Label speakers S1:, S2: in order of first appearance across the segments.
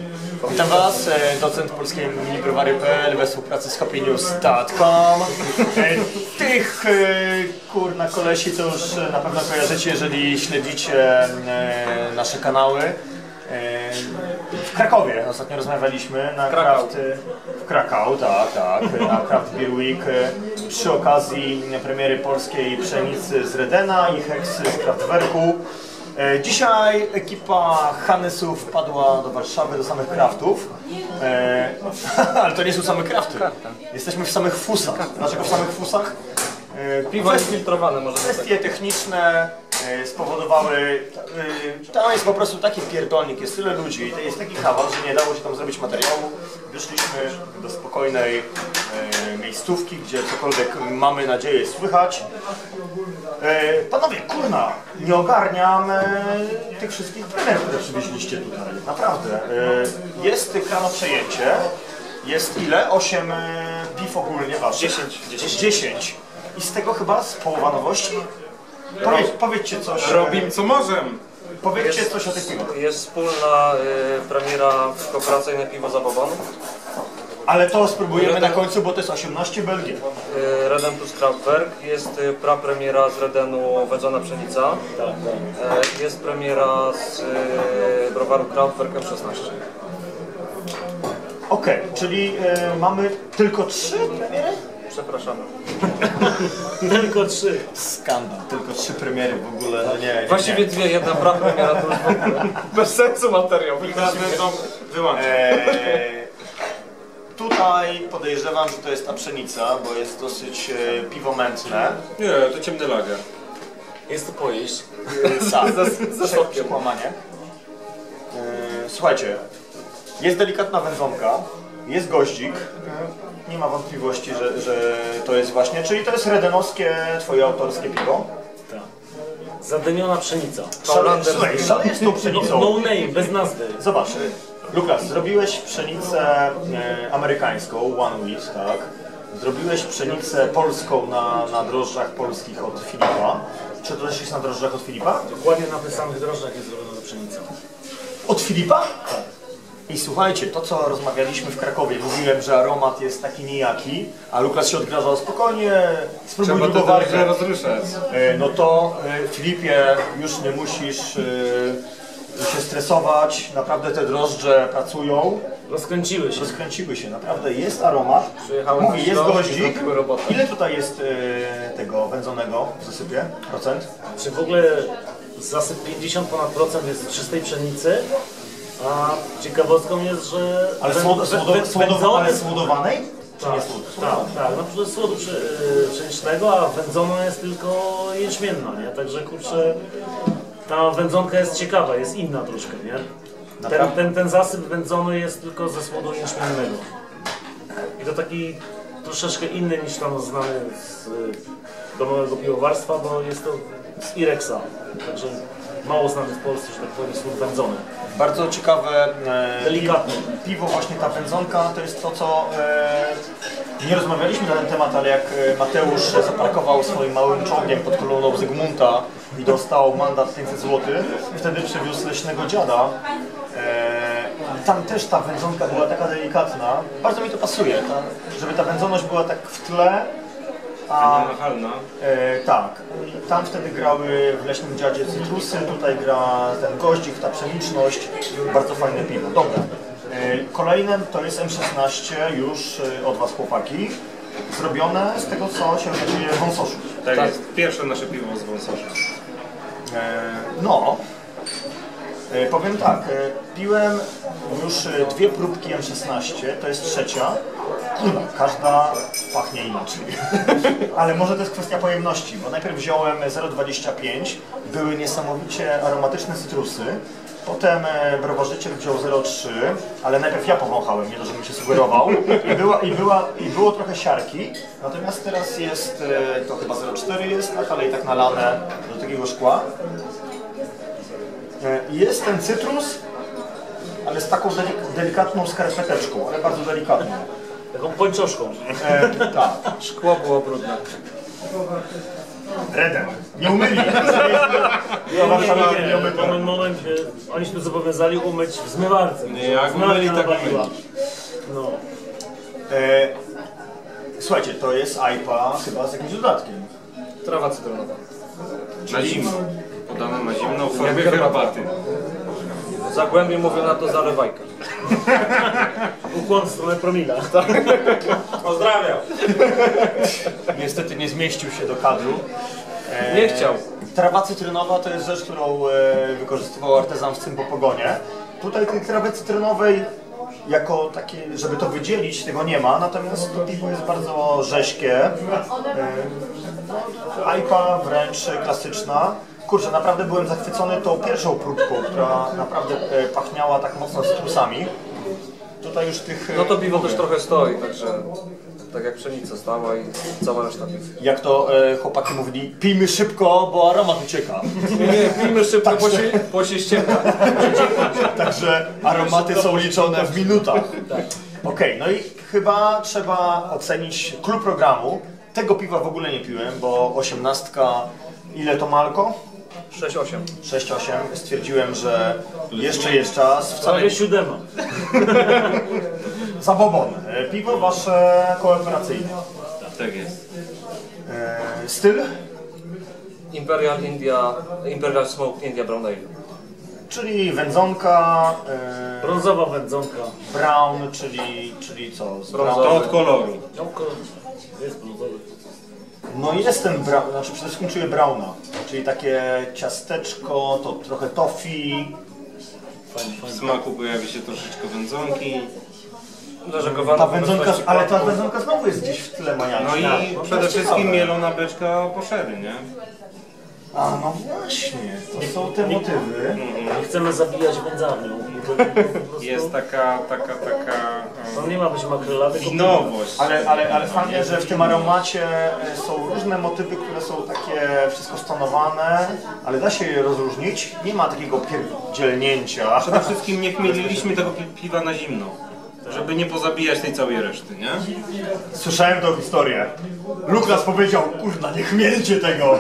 S1: Witam Was, docent polskiej minibrowary.pl we współpracy z happynews.com. Tych kurna kolesi to już na pewno kojarzycie, jeżeli śledzicie nasze kanały. W Krakowie ostatnio rozmawialiśmy na w Krakau, tak, na Craft Beer Week przy okazji premiery polskiej pszenicy z Redena i Heksy z Kraftwerku. Dzisiaj ekipa Hannesów wpadła do Warszawy, do samych kraftów, ale to nie są same krafty. Jesteśmy w samych fusach. Dlaczego w samych fusach?
S2: Piwo jest filtrowane, może.
S1: Kwestie techniczne spowodowały, tam jest po prostu taki pierdolnik, jest tyle ludzi, jest taki hałas, że nie dało się tam zrobić materiału. Wyszliśmy do spokojnej miejscówki, gdzie cokolwiek mamy nadzieję słychać. Panowie, kurna, nie ogarniam tych wszystkich premier, które przywieźliście tutaj, naprawdę. Jest kranoprzejęcie, jest ile? 8 piw ogólnie waszych? 10. I z tego chyba z połowa nowości? Powiedzcie coś.
S3: Robimy co możemy.
S1: Powiedzcie coś o tych piwach.
S2: Jest wspólna premiera kooperacyjne piwo Zabobon.
S1: Ale to spróbujemy na końcu, bo to jest 18 Belgii.
S2: Reden plus Kraftwerk. Jest prapremiera z Redenu Wędzona Pszenica. Jest premiera z browaru Kraftwerk M16.
S1: Okej, czyli mamy tylko 3 premiery?
S2: Przepraszamy.
S4: Tylko 3.
S1: Skandal, tylko 3 premiery w ogóle, no nie.
S2: Właściwie dwie, jedna prapremiera to już w ogóle bez sensu materiał.
S3: Wyłączyć.
S1: Tutaj podejrzewam, że to jest ta pszenica, bo jest dosyć piwomętne.
S3: Nie, to ciemny lager.
S4: Jest to pojeść.
S1: Za sokiem. Kłamanie. Słuchajcie, jest delikatna wędzonka, jest goździk. Nie ma wątpliwości, że to jest właśnie, czyli to jest redenowskie, twoje autorskie piwo.
S4: Tak. Zadymiona pszenica.
S1: Szaleje z tą pszenicą.
S4: No name, bez nazwy.
S1: Zobacz, Lukas, zrobiłeś pszenicę amerykańską, One Wheat, tak? Zrobiłeś pszenicę polską na drożdżach polskich od Filipa. Czy to też jest na drożdżach od Filipa?
S4: Dokładnie na tych samych drożdżach jest zrobiona pszenica.
S1: Od Filipa? Tak. I słuchajcie, to co rozmawialiśmy w Krakowie, mówiłem, że aromat jest taki nijaki, a Lukas się odgrażał spokojnie, spróbuj
S3: Trzeba
S1: długo
S3: to
S1: warkę.
S3: rozruszać.
S1: No to Filipie, już nie musisz się stresować, naprawdę te drożdże pracują. Rozkręciły się, naprawdę jest aromat. Mówię, jest goździk. Ile tutaj jest tego wędzonego w zasypie? Procent?
S4: Czy w ogóle zasyp 50 ponad procent jest z czystej pszenicy? A ciekawostką jest, że...
S1: Ale słodowanej? Czy nie
S4: Tak, na przykład słodu pszenicznego, a wędzona jest tylko jęczmienna, nie? Także kurczę, ta wędzonka jest ciekawa, jest inna troszkę, nie? Ten zasyp wędzony jest tylko ze słodu jęczmiennego. I to taki troszeczkę inny niż tam znany z domowego piwowarstwa, bo jest to z Irexa. Także mało znany w Polsce, że tak powiem, słód wędzony.
S1: Bardzo ciekawe
S4: Delikatne.
S1: Piwo, właśnie ta wędzonka, to jest to, co nie rozmawialiśmy na ten temat, ale jak Mateusz zaparkował swoim małym czołgiem pod kolumną Zygmunta i dostał mandat 500 zł, wtedy przewiózł leśnego dziada. Tam też ta wędzonka była taka delikatna. Bardzo mi to pasuje, żeby ta wędzoność była tak w tle. Tak. Tam wtedy grały w Leśnym Dziadzie cytrusy, tutaj gra ten goździk, ta pszeniczność. Bardzo fajne piwo. Dobra. Kolejne to jest M16 już od Was, chłopaki. Zrobione z tego, co się okazuje w Wąsoszu.
S3: Tak jest. Pierwsze nasze piwo z Wąsosza.
S1: Powiem tak, piłem już 2 próbki M16, to jest trzecia. Każda pachnie inaczej. Ale może to jest kwestia pojemności, bo najpierw wziąłem 0,25, były niesamowicie aromatyczne cytrusy. Potem browarzyciel wziął 0,3, ale najpierw ja powąchałem, nie to, żebym się sugerował. I było trochę siarki, natomiast teraz jest, to chyba 0,4 jest, tak, ale i tak nalane do takiego szkła. Jest ten cytrus, ale z taką delikatną skarpeteczką, ale bardzo delikatną.
S4: Taką pończoszką.
S1: Tak.
S2: Szkło było brudne.
S1: Reden. Nie umyli.
S4: W pewnym momencie oni się tu zobowiązali umyć w zmywarce.
S3: Nie, jak
S4: Zmywarka
S3: umyli, tak
S4: napaliła.
S3: umyli.
S4: No.
S1: Słuchajcie, to jest IPA chyba z jakimś dodatkiem.
S2: Trawa cytrynowa.
S3: Na zimno. Podane na zimno w formie herbaty.
S2: W Zagłębiu mówią na to zalewajka.
S4: Ukłon w stronę promila.
S3: Pozdrawiam.
S1: Niestety nie zmieścił się do kadru.
S2: Nie chciał.
S1: Trawa cytrynowa to jest rzecz, którą wykorzystywał artezan w Cymbopogonie. Tutaj tej trawy cytrynowej jako takie, żeby to wydzielić, tego nie ma, natomiast to piwo jest bardzo rześkie. IPA wręcz klasyczna. Kurczę, naprawdę byłem zachwycony tą pierwszą próbką, która naprawdę pachniała tak mocno cytrusami. Tutaj już tych...
S2: No to piwo też trochę stoi, także tak jak pszenica stała i cała reszta piw.
S1: Jak to chłopaki mówili, pijmy szybko, bo aromat ucieka.
S2: Nie, pijmy szybko, bo się ściemnia.
S1: Także aromaty są liczone w minutach. Okej, no i chyba trzeba ocenić klub programu. Tego piwa w ogóle nie piłem, bo 18, ile to ma alko?
S2: 6-8.
S1: 6-8. Stwierdziłem, że jeszcze jest czas. Wcale
S4: Prawie 7.
S1: Zabobon. Piwo wasze kooperacyjne.
S3: Tak jest.
S1: Styl?
S2: Imperial Smoked India Brown Ale.
S1: Czyli wędzonka,
S4: Brązowa wędzonka.
S1: brown, czyli co? Z
S2: Brązowy.
S3: To od koloru.
S4: No, jest brązowy.
S1: No jest ten brown, znaczy przede wszystkim czuję browna, czyli takie ciasteczko, to trochę toffee.
S3: W smaku pojawi się troszeczkę wędzonki.
S1: Ta wędzonka, ale ta wędzonka znowu jest gdzieś w tle maniaczki.
S3: No i przede wszystkim mielona beczka po sherry, nie?
S1: A no właśnie, to są te motywy.
S4: Nie chcemy zabijać wędzarnią.
S3: Jest taka
S4: To nie ma być makrela, tylko
S3: winowość.
S1: Ale fajnie, że w tym aromacie są różne motywy, które są takie wszystko stonowane, ale da się je rozróżnić. Nie ma takiego pierdzielnięcia.
S3: Przede wszystkim nie chmieliliśmy tego piwa na zimno. Żeby nie pozabijać tej całej reszty, nie?
S1: Słyszałem tą historię. Luklas powiedział, kurna, nie chmielcie tego.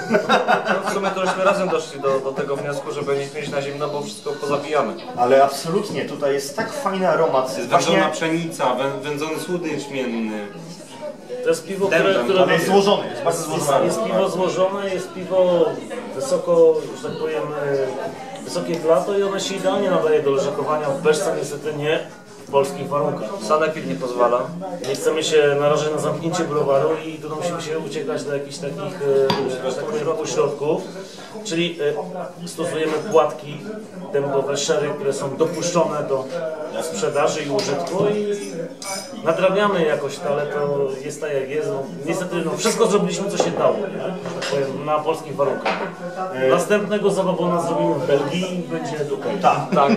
S2: W sumie to żeśmy razem doszli do tego wniosku, żeby nie mieć na zimno, bo wszystko pozabijamy.
S1: Ale absolutnie, tutaj jest tak fajny aromat.
S3: Jest wędzona pszenica, wędzony słód jeczmienny.
S4: to jest piwo,
S3: Dębem,
S4: które
S1: Ale jest złożony, jest bardzo złożony.
S4: jest piwo złożone, jest piwo wysoko, że tak powiem, wysokie w lato i ono się idealnie nadaje do leżakowania. W beczce niestety nie. W polskich warunkach.
S2: Sanepid nie pozwala.
S4: Nie chcemy się narażać na zamknięcie browaru i tu musimy się uciekać do jakichś takich pośrodków. Czyli stosujemy płatki dębowe, sherry, które są dopuszczone do sprzedaży i użytku i nadrabiamy jakoś to, ale to jest tak jak jest. No, niestety wszystko zrobiliśmy co się dało, nie? Że tak powiem, na polskich warunkach. Następnego zabawona zrobimy w Belgii i będzie okej.
S2: Tak.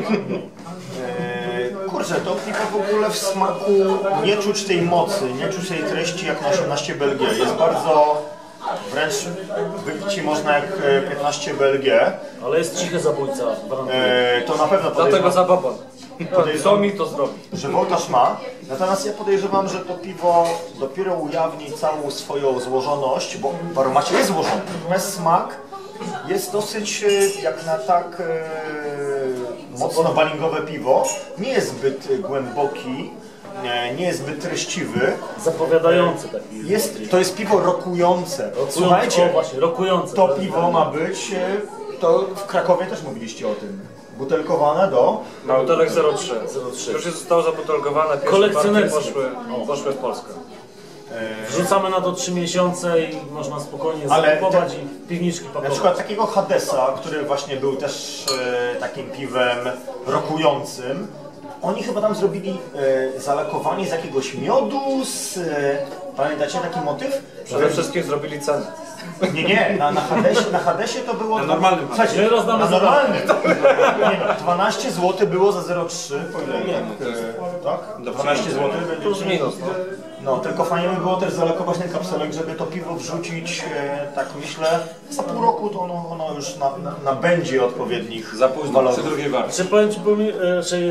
S1: Kurczę, to piwo w ogóle w smaku nie czuć tej mocy, nie czuć tej treści jak na 18 BLG. Jest bardzo, wręcz wypić ci można jak 15 BLG.
S4: Ale jest cichy zabójca, gwarantuję.
S1: To na pewno
S2: Dlatego
S1: podejrzewam,
S2: zabobon. Co mi to zrobi?
S1: że wołtarz ma. Natomiast ja podejrzewam, że to piwo dopiero ujawni całą swoją złożoność, bo w aromacie jest złożony. Natomiast smak jest dosyć, jak na tak mocno balingowe piwo, nie jest zbyt głęboki, nie jest zbyt treściwy.
S4: Zapowiadający taki.
S1: To jest piwo rokujące. Słuchajcie,
S4: O, właśnie, rokujące.
S1: to piwo ma być, to w Krakowie też mówiliście o tym, butelkowane do...
S2: Butelek 03.
S4: 03.
S2: Już zostało zabutelkowane, pierwsze
S4: Kolekcjonerskie.
S2: partie poszły w Polskę.
S4: Wrzucamy na to 3 miesiące i można spokojnie
S1: Ale
S4: zakupować i w piwniczki
S1: Na
S4: pakować.
S1: przykład takiego Hadesa, który właśnie był też takim piwem rokującym. Oni chyba tam zrobili zalakowanie z jakiegoś miodu, pamiętacie taki motyw?
S2: Przede wszystkim zrobili cenę.
S1: Nie, na Hadesie to było...
S3: Na normalnym
S1: Słuchajcie,
S4: My rozdamy
S1: na
S4: za
S1: normalnym. Nie no, 12 zł było za 0,3, po ile? Tak? 12 zł
S2: Plus minus, no.
S1: No, tylko fajnie by było też zalokować ten kapselek, żeby to piwo wrzucić, tak myślę, za pół roku to ono już nabędzie odpowiednich
S3: Za późno,
S1: walorów.
S3: przy drugiej warcie.
S4: Czy powiem Ci,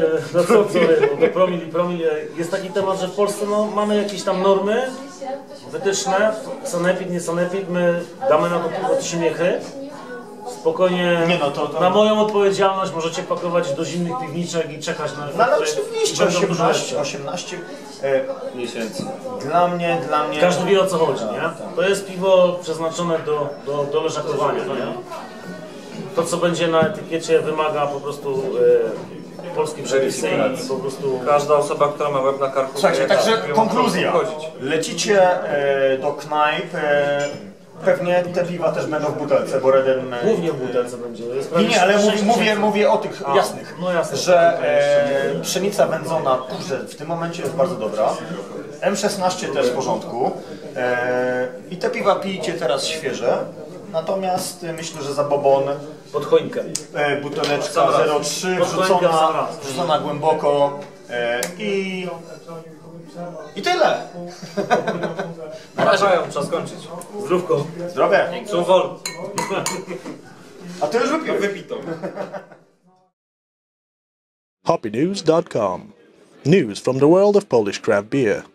S4: do promil, jest taki temat, że w Polsce mamy jakieś tam normy wytyczne, sanepid, nie sanepid, my damy na to piwo 3 miechy. Spokojnie,
S1: Nie no, to-
S4: na moją odpowiedzialność możecie pakować do zimnych piwniczek i czekać na
S1: No ale
S4: które
S1: oczywiście,
S4: będą dużo
S1: 18,
S4: lepsze.
S1: 18
S3: Miesięcy.
S1: dla mnie...
S4: Każdy wie o co chodzi, nie? To jest piwo przeznaczone do leżakowania, nie? To co będzie na etykiecie wymaga po prostu polskiej przepisy i po prostu...
S2: Każda osoba, która ma łeb na karku...
S1: Słuchajcie,
S2: wie,
S1: także
S2: jak ją
S1: konkluzja.
S2: obchodzić.
S1: Lecicie do knajp, pewnie te piwa też będą w butelce, bo Reden...
S4: Głównie w butelce będzie. Jest
S1: Nie, nie, ale
S4: 6
S1: mówię o tych jasnych,
S4: no jasne.
S1: że pszenica wędzona, kurczę, w tym momencie jest bardzo dobra. M16 też w porządku. I te piwa pijcie teraz świeże. Natomiast myślę, że za bobon
S4: Pod choinkę.
S1: buteleczka 0,3
S4: Pod choinkę w sam raz.
S1: wrzucona głęboko i tyle.
S2: Wracają, trzeba skończyć.
S4: Zdrówko.
S1: Zdrowie.
S2: Zum Wohl.
S1: A ty już wypił.
S3: Wypito.
S5: Hoppynews.com. News from the world of Polish craft beer.